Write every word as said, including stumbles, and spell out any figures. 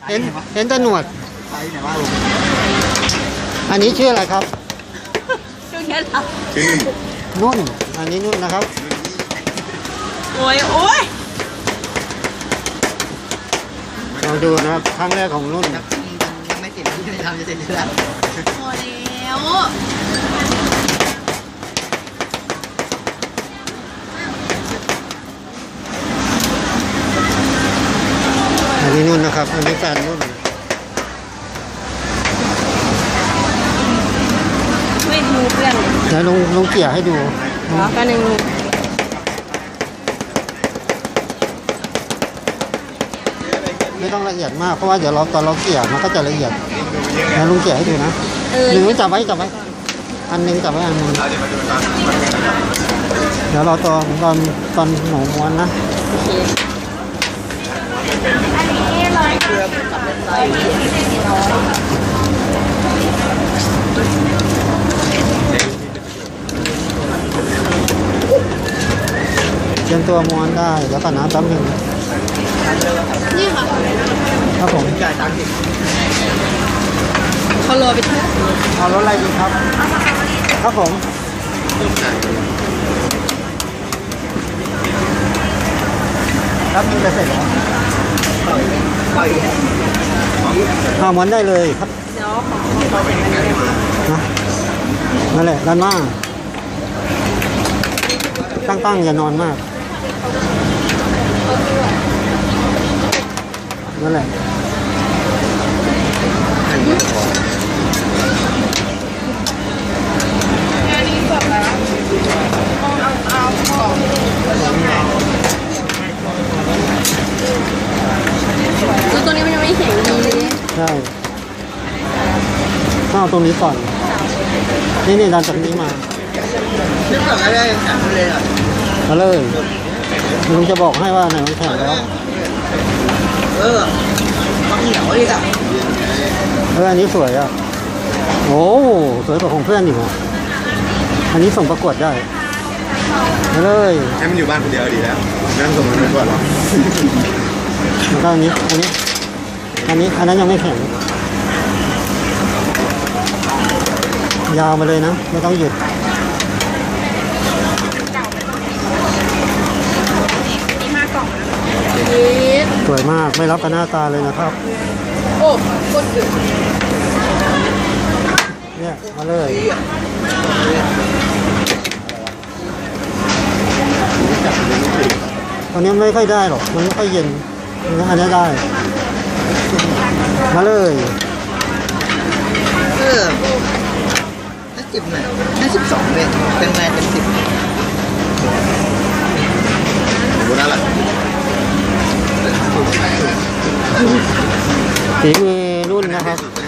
เห็นเห็นแต่หนวดใช่ไหนว่าอันนี้ชื่ออะไรครับชื่อแค่เราชื่อนุ่นนุ่น อันนี้นุ่นนะครับโอ้ยโอ้ยลองดูนะครับครั้งแรกของนุ่นยังไม่เสร็จที่จะทำจะเสร็จแล้วพอแล้วอันนี้นุ่นนะครับ อันนี้แฟนนุ่นไม่ดูเพื่อนแล้วลงลงเกี่ยให้ดูเหรอกันหนึ่งไม่ต้องละเอียดมากเพราะว่าเดี๋ยวเราตอนเราเกี่ยมันก็จะละเอียดแล้วลุงเกี่ยให้ดูนะเออหนึ่งจับไว้จับไว้ อันหนึงจับไว้อันหนึงเดี๋ยวเราตอนตอนตอนหนูม้วนนะโอเคอันนี้ร้อยเกือบกับเป็นร้อยสี่ร้อยเตรียมตัวม้วนได้เดี๋ยวก่อนนะแป๊บหนึงนี่ค่ะครับผมจ่ายตังค์สิเขารอไปเที่ยวเอารถอะไรดีครับ ครับผมครับมีจะเสร็จแล้วปล่อยเอาม้วนได้เลยครับเดี๋ยวของนะนั่นแหละด้านหน้าตั้งๆอย่านอนมากนั่นแหละอันนี้แบบแล้วเอาเอาของแล้วตัวนี้มันยังไม่แข็งดีเลยใช่ต้องเอาตรงนี้ก่อน นี่นี่ดันจากนี้มานึกก่อนก็ได้แข็งเลยอ่ะเอาเลยลุงจะบอกให้ว่าไหนมันแข็งแล้วเออมันเหนียวดิอ่ะเอออันนี้สวยอ่ะโอ้สวยกว่าของเพื่อนอีกอ่ะอันนี้ส่งประกวดได้เอาเลยให้มันอยู่บ้านคนเดียวดีแล้วนั่งสมมติก่อนหรอแล้วก็อันนี้ อันนี้ อันนี้ อันนั้นยังไม่แข็ง ยาวมาเลยนะ ไม่ต้องหยุดนี่สวยมาก ไม่รับกับหน้าตาเลยนะครับโอ้กดดึกเนี่ย มาเลย ตอนนี้ไม่ค่อยได้หรอก มันไม่ค่อยเย็น อันนี้ได้ มาเลยเออน่าสิบหน่อยน่าสิบสองเลยเป็นไงเป็นสิบดูนั่นแหละฝีมือรุ่นนะครับไป